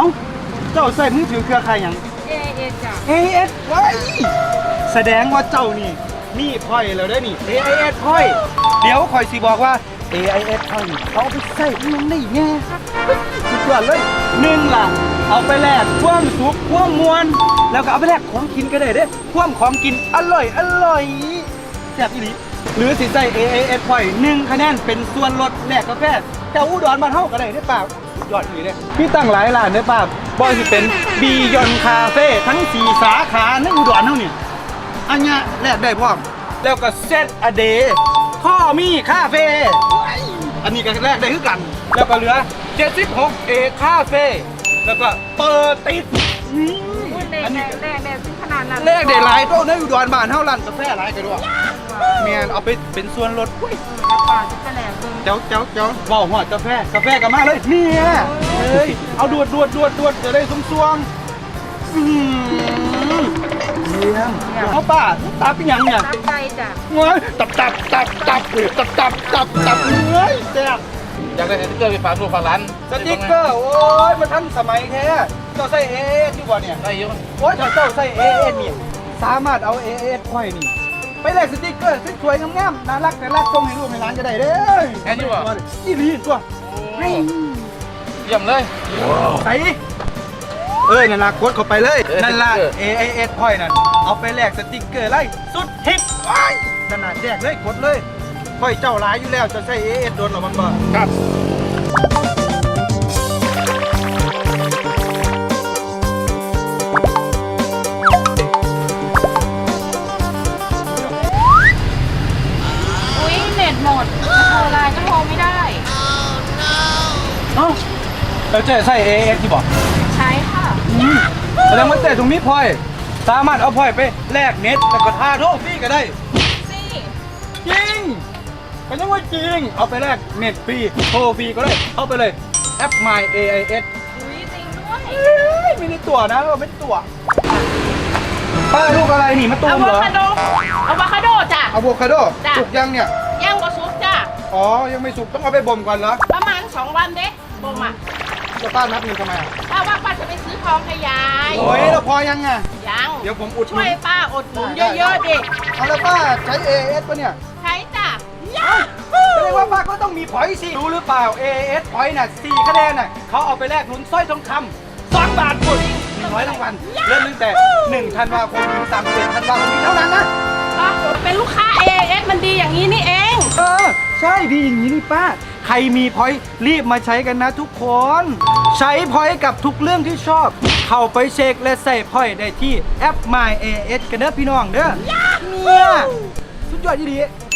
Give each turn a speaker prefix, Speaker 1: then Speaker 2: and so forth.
Speaker 1: าเจ้าใส่มือถือเครือข่ายหยัง
Speaker 2: AIS จ้ะ
Speaker 1: AIS ไว้แสดงว่าเจ้านี่มีพอยแล้วได้นี่ AIS พอยเดี๋ยวคอยสิบอกว่า AIS พอยนี่เขาไปใส่มันได้แง่สุดยอดเลยหนึ่งล่ะเอาไปแลกความสุขความมวลแล้วก็เอาไปแลกของกินก็ได้เด้ความของกินอร่อยแซ่บอีหลีหรือสิใส่ AIS พอย1คะแนนเป็นส่วนลดแลกกาแฟแต่อุดรบ้านเฮาก็ได้ได้เปล่ายอดอีเด้พี่ตั้งหลายร้านได้ป่ะบ่สิเป็นบียอนคาเฟ่ทั้ง4สาขาในอุดรเฮาเนี่ยอันเนี้ยแลกได้พร้อมแล้วก็เซตอเดย์พ่อมีคาเฟ่อันนี้ก็แลกได้คือกันแล้วก็เหลือ76 เอคาเฟ่แล้วก็เปิดติดอันนี้
Speaker 2: แรกถึงขนาดนั้น
Speaker 1: แลกได้หลายโต๊ะในอุดรบ้านเฮาร้านกาแฟหลายกันด้วยแม่นเอาไปเป็นส่วนลดอุ้ย
Speaker 2: ป่าจะแหลกเบิ่ง
Speaker 1: เจ้าเบาหัวกาแฟกันมาเลยเนี่ยเฮ้ยเอาดวดจะได้สวงเยี่ยมเอาป้าตับยังเนี่ย
Speaker 2: ตั้งใจจ้ะ
Speaker 1: เฮ้ยตับเฮ้ยแซ่บ
Speaker 3: อยากได้สติ๊กเกอร์ไปฝากลูกฝากหลาน
Speaker 1: สติ๊กเกอร์โอ้ยมันทันสมัยแท้เจ้าใส่เอสที่บ่เนี่ย
Speaker 3: ได้เยอะ
Speaker 1: โอ้ยถ้าเจ้าใส่เอสนี่สามารถเอาเอสค่อยนี่ไปแลกสติ๊กเกอร์สวยๆงามๆน่ารักส่งให้ลูกให้หลานก็ได้เด้อนี่ลีตัว
Speaker 3: เยี่ยมเลย
Speaker 1: ใส่นั่นล่ะกดเข้าไปเลยนั่นล่ะ AIS Point นั่นเอาไปแลกสติ๊กเกอร์ไล่สุดฮิตนั่นน่ะแจกเลยกดเลยค่อยเจ้าหลายอยู่แล้วจะใช้ AIS โดนหรอมันบ่ครับ
Speaker 2: อุ๊ยเน็ตหมดโทรไลน์ก็โทรไม่ได้
Speaker 1: เอ้าแล้วเจ๊ใช้ AIS ที่บ่
Speaker 2: ใช้ค่ะ
Speaker 1: แสดงว่าเจ๊ตรงนี้พอยสามารถเอาพอยไปแลกเน็ตแล้วก็ท่าโทรฟรีก็ได้
Speaker 2: สิ
Speaker 1: จริงเป็นยังว่าจริงเอาไปแลกเน็ตฟรีโทรฟรีก็ได้เอาไปเลยแอป My AIS
Speaker 2: อุ๊ยจริงด้วย
Speaker 1: ไม่ได้ตั๋วนะเราไม่ได้ตั๋วป้าลูกอะไรนี่มะตู
Speaker 2: อะ
Speaker 1: ม
Speaker 2: โว
Speaker 1: เหรอ
Speaker 2: คาโดจ้ะ
Speaker 1: อะโวคาโด
Speaker 2: จ้ะ
Speaker 1: สุกยังเนี่ย
Speaker 2: ย่างบะซุปจ้ะ
Speaker 1: อ๋อ ยังไม่สุกต้องเอาไปบ่มก่อนเหรอ
Speaker 2: ประมาณ2 วันเด้บ่มอ่ะ
Speaker 1: จะป้านับเงินทำไมอ่ะ
Speaker 2: ป้าว่าป้าจะไปซื้อทองให้ยาย
Speaker 1: โอ้ยเราพอยังไง
Speaker 2: ยัง
Speaker 1: เดี๋ยวผมอุดห
Speaker 2: ช่
Speaker 1: นุ
Speaker 2: วย
Speaker 1: น
Speaker 2: ป้าอดหนุนเยอะๆดิ
Speaker 1: เอาแล้วป้าใช้ AS ปะเนี่ย
Speaker 2: ใช้จ้ะ
Speaker 1: แสดงว่าป้าก็ต้องมีพอยต์สิรู้หรือเปล่า AS พอยต์น่ะ4คะแนนน่ะเขาเอาไปแลกลุ้นสร้อยทองคำ2 บาทหมด100รางวัลเริ่มตั้งแต่1 ธันวาคมถึง31 ธันวาคมนี้เท่านั้นนะ
Speaker 2: เป็นลูกค้า AIS มันดีอย่างนี้นี่เอง
Speaker 1: ใช่ดีอย่างนี้นี่ป้า ใครมีพอยต์รีบมาใช้กันนะทุกคน ใช้พอยต์กับทุกเรื่องที่ชอบ เข้าไปเช็คและใส่พอยต์ได้ที่แอป My AS กันเด้อพี่น้องเด้อเนี่ยสุดยอดดี